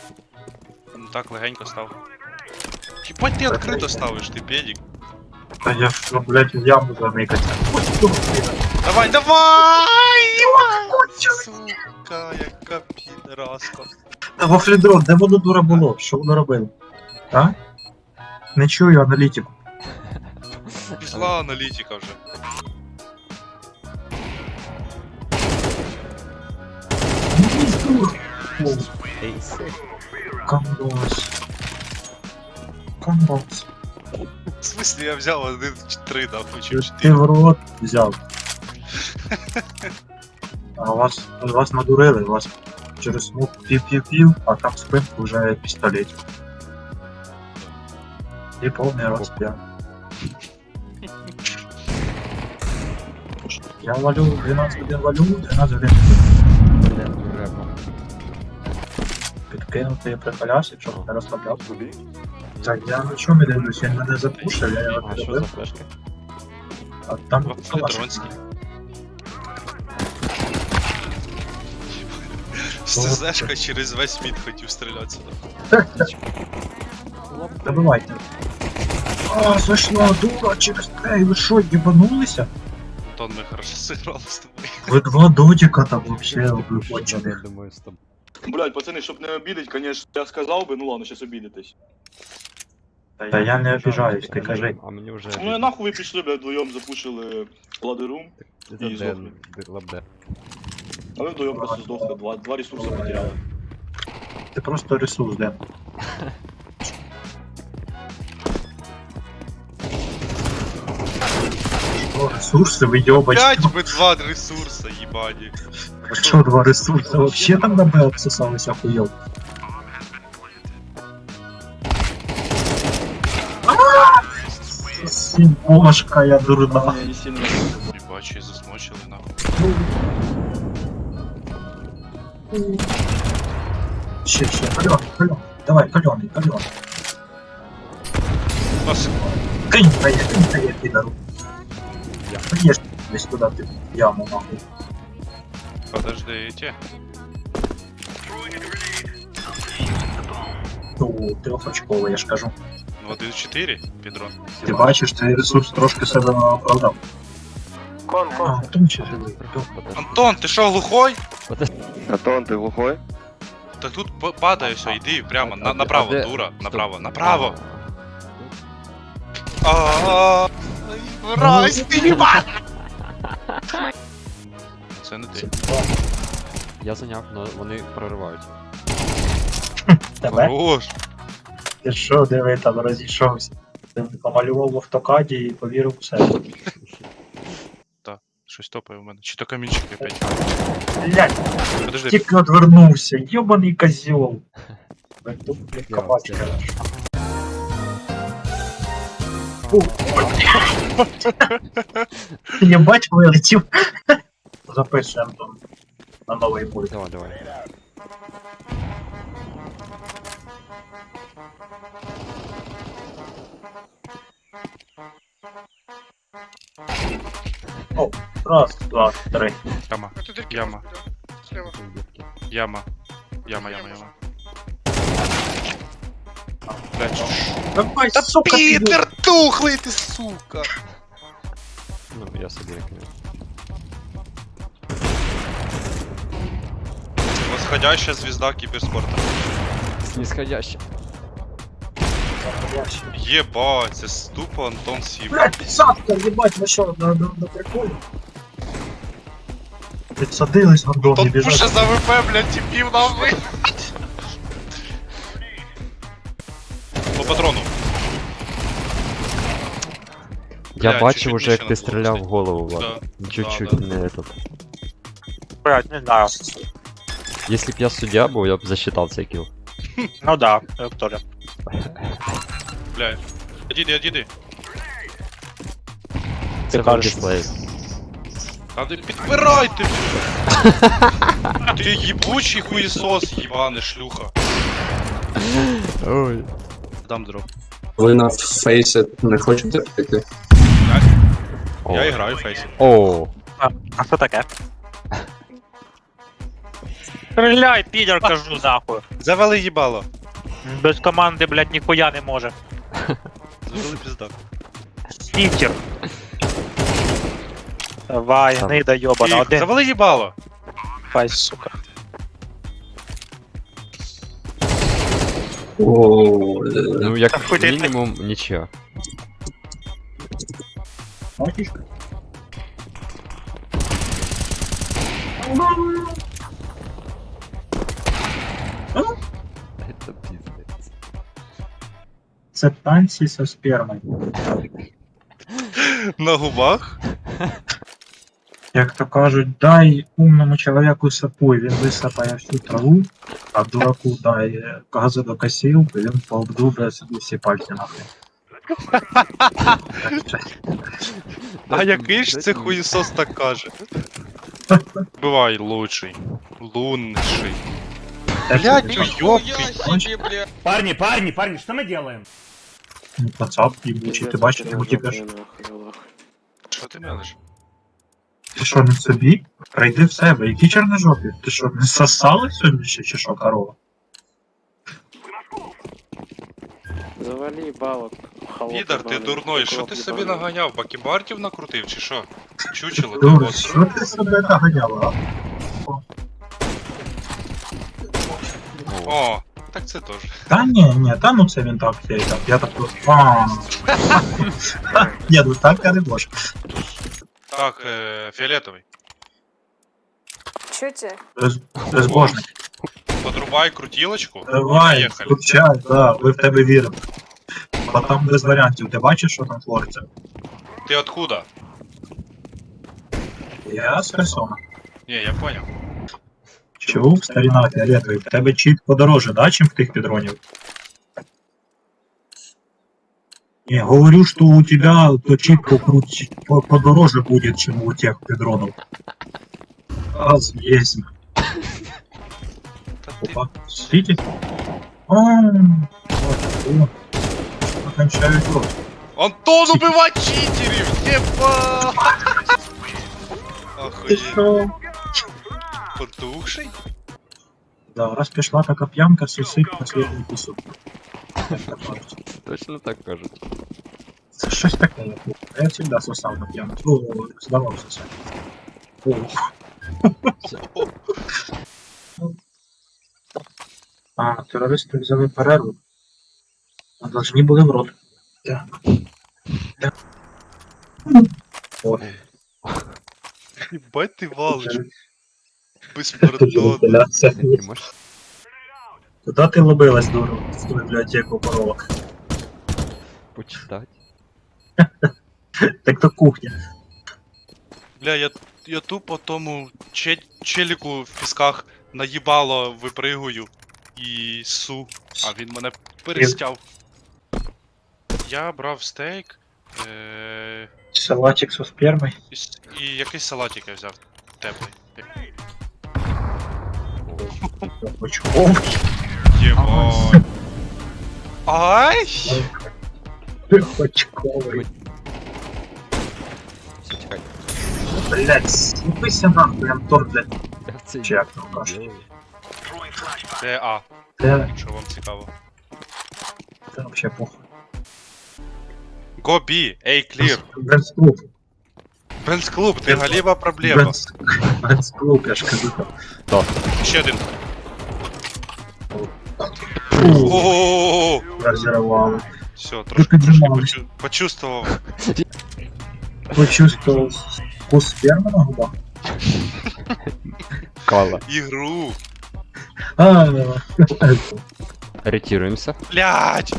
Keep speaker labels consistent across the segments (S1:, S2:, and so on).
S1: Ну так, легенько став. Єбать ти відкрито ставиш, ти педик.
S2: Та я ж, блядь, в яму заникаться.
S1: Давай, давай! Сука, яка підраска.
S2: Та вафлідрон, де воно дура було? Що воно робило? А? Не чую аналітику.
S1: Пішла аналітика вже.
S3: Ейс.
S2: Комбос. Комбос.
S1: В смысле я взяв 1-3, нахуй, чи
S2: Ти
S1: 4.
S2: в рот взяв. А вас надурили, вас через смуг пів-пів-пів, а там спинку вже пістолет. І повний рот п'ян. Я валю 12 годин валю, 12 годин підкинути прихиляшся, щоб не розслаблявся. Так, я нічого не дивлюсь, він мене запушив, я його
S3: А що за
S2: підбив,
S3: флешки?
S2: а там
S1: Вафлідронський. СЗшка через весь мід хотів стріляти сюди.
S2: Добивайте. А, зайшла дурачек, ей, ви що, їбанулися?
S1: Антон, ми хорошо зіграли з тобою.
S2: Ви два дотика там вообще виходили.
S3: Я думаю, з тобою.
S4: Блять, пацаны, чтоб не обидеть, конечно, я сказал бы, ну ладно, сейчас обидитесь.
S2: Та я не обіжаюсь, ти кажи.
S3: А мені вже...
S4: Ну и нахуй вы пришли, блядь, вдвоем запушили ладерум,
S3: Це
S4: і
S3: Ден,
S4: здохли.
S3: Лабде.
S4: а вы вдвоем просто сдохли, два ресурса потеряли.
S2: Ти просто ресурс, Ден. О, ресурси, ви йобачки.
S1: Опять би 2 ресурса, їбані.
S2: Що два ресурси? Вообще там на Б обсосалися хуйов. Сімошка, я дурна.
S4: Я не сильно...
S1: Їбачі, засмочили нахуй.
S2: Ще, кальоний. Давай, кальоний.
S1: Нас
S2: Кинь тає, підару. Приїж десь туди, ти в яму, нахуй.
S1: подождите.
S2: Ну, трьохочковий, я ж кажу.
S1: 1-4, Підрон.
S2: Ти бачиш, цей ресурс трошки себе оправдав. А, тому чи живий.
S1: Антон, ти що, глухой?
S5: Антон, ты глухой?
S1: Так тут падає все, йди прямо, направо,
S3: де?
S1: дура,
S3: Стоп.
S1: направо, направо. Ааа, Райс, ти їбать! Це не ти.
S3: Я зайняв, але вони проривають.
S2: Тебе?
S1: Хорош.
S2: Ти що, диви, там розійшовся. Ти помалював в автокаді і повірив у себе.
S1: Щось топає в мене. Чи то камінчики опять.
S2: Блять,
S1: Подожди,
S2: тільки одвернувся, йобаний козьол. Тут, блядь,
S3: Я
S2: кабачка. Я бачу, вилетів. Запишемо там на новий пульт.
S3: Давай.
S2: Раз, два, три.
S1: яма, яма, яма, яма. Блять,
S2: Давай, та сука, ти
S1: Пітер тухлий ти, сука!
S3: Ну, я собі рекомендую.
S1: Восходящая звезда кіберспорту.
S3: Снисходяще.
S1: Єбать, це ступо Антон Сів.
S2: Блять, писатка, ебать, ви що, на приколі? Підсадились гандон, не
S1: Тут пуше
S2: біжать.
S1: за ВП, блядь, тіпів нахуй. По патрону.
S3: Я
S1: Бля,
S3: бачив
S1: чуть-чуть
S3: уже, як
S1: нижче
S3: ти
S1: надо було
S3: стріляв в
S1: пустити.
S3: голову, Влад.
S1: Да.
S3: Чуть-чуть
S1: Да.
S3: не этот.
S6: Блять, не знаю.
S3: Если б я суддя був, я б засчитав цей кіл.
S6: Ну да, тоже.
S1: Бля. Іди.
S3: Це в
S6: кажеш.
S3: дисплеї.
S1: А ти підпирайте! Ти їбучий хуєсос, їбане шлюха.
S3: Ой.
S1: Дам дроп.
S7: Ви на фейсі не хочете піти?
S1: Я граю в фейсі.
S3: О.
S6: А що таке? Стреляй, підер, кажу нахуй.
S1: Завали їбало.
S6: Без команди, блядь, ніхуя не може.
S1: Завали піздак.
S6: Стікер. Давай,
S3: Сам.
S6: гнида йобана, один.
S1: Завали їбало.
S6: Фай, сука.
S7: О,
S3: Ну, як
S6: Хуй ти-
S3: мінімум, нічого.
S2: Матічка.
S3: Це піздець.
S2: Це танці со спермою.
S1: На губах.
S2: Як то кажуть, дай умному чоловіку сапу, і він висапає всю траву, а дураку дай газодокосілку, і він пообдубає собі всі пальці нахуй.
S1: А який ж це хуїсос так каже? Бувай лучший. Лунший. Блядь, уёбки.
S8: Парни, что мы делаем?
S2: Ну, пацап, їбучий, ти бачиш, йому тікаш.
S1: Що ти мелиш?
S2: Ти що, не собі? Прийди в себе, які чорножопі? Ти що, не сосали сьогодні ще, чи що, корова?
S5: Завали балок.
S1: Підар, ти дурной, що ти собі наганяв? Бакібартів накрутив, чи що? Чучело, ти
S2: Дур,
S1: ось.
S2: що ти себе наганяла, а?
S1: О, так це теж.
S2: Та ні, та ну це він так, я так просто. Ні, ну так я не можу.
S1: Так, фіолетовий.
S9: Чуєте?
S2: Безбожник.
S1: Подрубай крутілочку.
S2: Давай,
S1: Поїхали.
S2: включай, да, ми в тебе віримо. Бо там без варіантів, ти бачиш, що там твориться?
S1: Ти откуда?
S2: Я з Херсона.
S1: Ні, я понял.
S2: Чув, старіна фіолетовий, в тебе чіт подороже, да, чим в тих підронів? Не, говорю, что у тебя то чит подороже будет, чем у тех педронов. Раз есть.
S1: Та ти...
S2: Опа, сидите? Окончают рот.
S1: Антон, убивай читерів! Єба!
S2: Ты
S1: Охуєть.
S2: шо?
S1: Потухший?
S2: Да, раз пішла така п'янка, сусить последний кусок.
S3: Точно так кажуть.
S2: Це щось таке, я всегда сосав на п'янку. Ну, здавав сосать. А, терористи взяли перерву. А должны були в рот. Так. Так. О,
S1: Єбать ти валиш.
S2: Тут
S1: Безпардонно.
S2: вентиляція.
S3: Ти можеш
S2: Куда ти лобилась, дура, в ту бібліотеку коровок?
S3: почитати?
S2: Так то кухня.
S1: Бля, я тупо тому челіку в пісках наїбало випригую і су, а він мене перестяв. Я брав стейк
S2: Салатик со спермой.
S1: і якийсь салатик я взяв теплий.
S2: Очковий.
S1: Єбать. Ай!
S2: Очковий.
S3: Все, чекай.
S2: Блять, слупися нахуй, Антон, блять.
S3: Я цей
S2: Чи як там кажуть?
S3: делаю.
S1: Це А,
S2: Це
S1: якщо вам цікаво.
S2: вообще похуй.
S1: Go B, A clear.
S2: Бенз-клуб.
S1: Бенз клуб, ти галіба проблема.
S2: Бенз-клуб, я ж кажу.
S1: Ще один.
S2: Фу,
S1: О,
S2: розірвали.
S1: все, трошки
S2: піднімались.
S1: почувствував.
S2: Почувствовал вкус спермы на губах?
S3: Кала.
S1: Ігру.
S2: А,
S3: Ретируемся.
S1: Блять!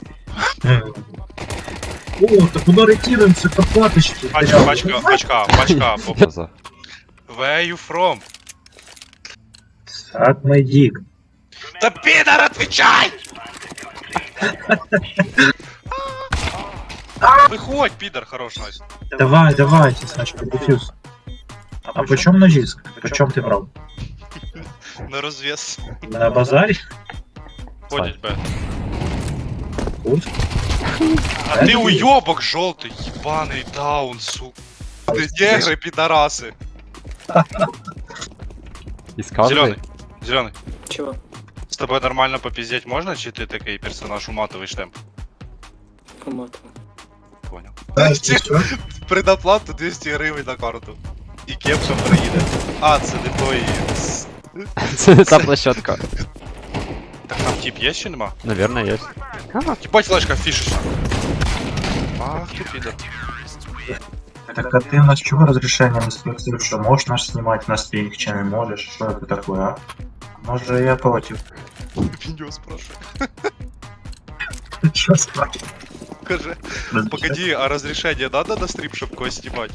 S2: О, так куда ретируемся, копаточки?
S1: Пачка.
S3: За.
S1: Where you from?
S2: Сак мой дик.
S1: Да пидор, отвечай! Выходь, пидор, хорош, Настя.
S2: Давай, Сачка, дефьюз. А почем ножиск? Почем ты брал?
S1: На розвес.
S2: На базаре?
S1: Ходить, Б.
S2: Пусть.
S1: А ты уёбок желтый, ебаный даун, сука. Ты негры, пидорасы.
S3: Из каждой?
S1: Зеленый. Зеленый,
S5: Чего?
S1: з тобою нормально попіздять можна, чи ти такий персонаж уматовий штемп?
S5: Поматывай.
S1: Понял.
S2: Знаєш, що?
S1: Предоплату 200 гривень на карту. І кепка приїде. А, це не той.
S3: Це та площадка.
S1: Так там тип є чи нема?
S3: Наверное, есть.
S1: Ебать, флешка фішечна. Ах, ти підер.
S2: Так, а ты у нас чего разрешение не спросил, что можешь нас снимать на стрим, чем не можешь? Что это такое, а? Может, я против.
S1: Відео спрашиваю.
S2: Что спрашивать?
S1: Каже, погоди, а разрешение надо на стрим, щоб когось знімати?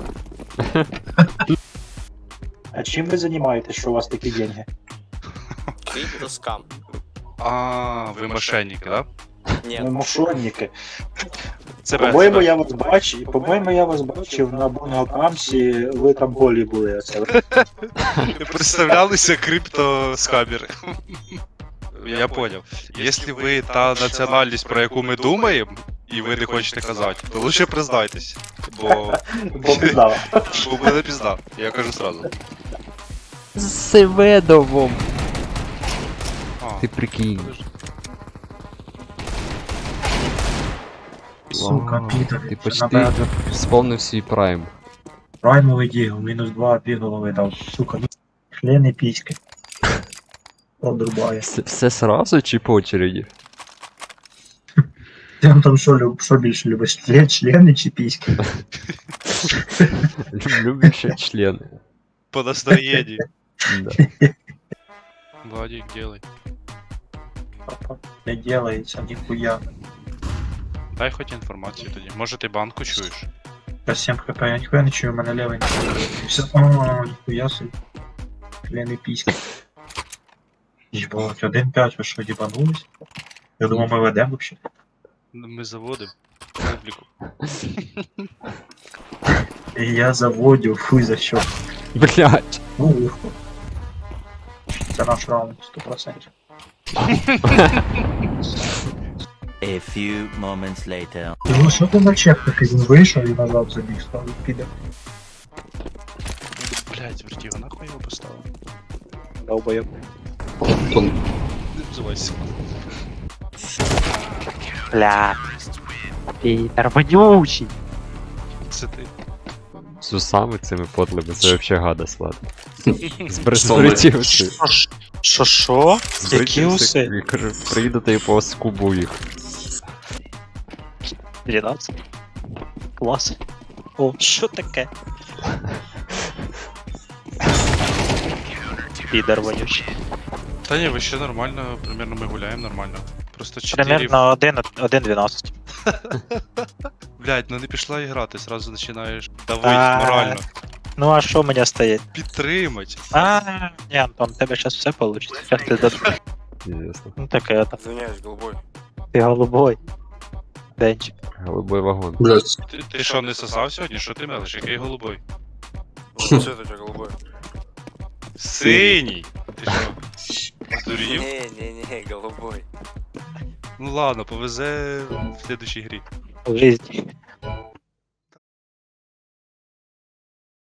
S2: А чем вы занимаетесь, что у вас такие деньги?
S9: Криптоскам.
S1: А, ви мошенники, да?
S9: Ні,
S2: Вы мошенники.
S1: Це
S2: По-моєму, я вас бачив на Бунгакамсі, ви там голі були. Оце.
S1: представлялися криптоскамери. Я понял. Якщо ви та національність, про яку ми думаємо, і ви не хочете казати, то лучше признайтесь. Бо
S2: Бо пізнав.
S1: буде пізда. Я кажу сразу.
S3: З Севедовом.
S1: А,
S3: Ти прикинь.
S2: Сука,
S3: Вау,
S2: підер.
S3: Ти почти сповнив свій прайм.
S2: Праймовий дігл, -2, 2 голови дав. Сука, ну, члени піськи. Одрубає.
S3: Все сразу чи по очереді?
S2: Ти там що більше любиш? Члени чи піськи?
S3: Люблю ще члени.
S1: по настроєнню.
S3: Да.
S1: Владик, делай.
S2: Папа, не делається, ніхуя.
S1: Дай хоч інформацію тоді. Може ти банку чуєш?
S2: Я 7 хп, я ніхуя не чую, у мене левий не чую. Все, ніхуя собі. Члени піськи. Їбать, 1-5, ви що, їбанулись? Я думав, ми ведемо вообще.
S1: Ми заводимо публіку.
S2: І я заводю, фуй за що.
S3: Блять.
S2: Ухо. Це наш раунд, 100%.
S10: A few moments later.
S2: Ну що ти за чек такий? Він вийшов і назад забіг, став піде.
S1: Блять, вертіго, нахуй його поставив?
S2: Долбоєб.
S7: Тон.
S1: Не взувайся.
S6: Бля. Підер вонючий.
S1: Це ти.
S3: З усами цими подлими, це вообще гадость, ладно. З
S7: Що ми?
S3: бритівці.
S6: Що? Які уси?
S3: Я кажу, приїдете і поскубу їх.
S6: 12. Клас. О, що таке? Підер вонючий.
S1: Та ні, ви ще нормально, примерно ми гуляємо нормально. Просто 4...
S6: Примерно 1-12.
S1: Блять, ну не пішла і грати, сразу починаєш давити
S6: А.
S1: морально.
S6: Ну а що мені стоїть?
S1: Підтримать.
S6: Ні, Антон, в тебе зараз все вийде. Зараз ти дадуть.
S3: Інтересно.
S6: Ну таке, там.
S9: Извиняюсь, голубой.
S6: Ти голубой. Денчик.
S3: Голубой вагон.
S7: Блядь,
S1: Ти що, не сосав сьогодні? Що ти мелиш? Який голубой?
S9: Что это у тебя голубой?
S1: Синій! Ти що? Здурів?
S9: Не, голубой.
S1: Ну ладно, повезе в следующій грі.
S6: В житті.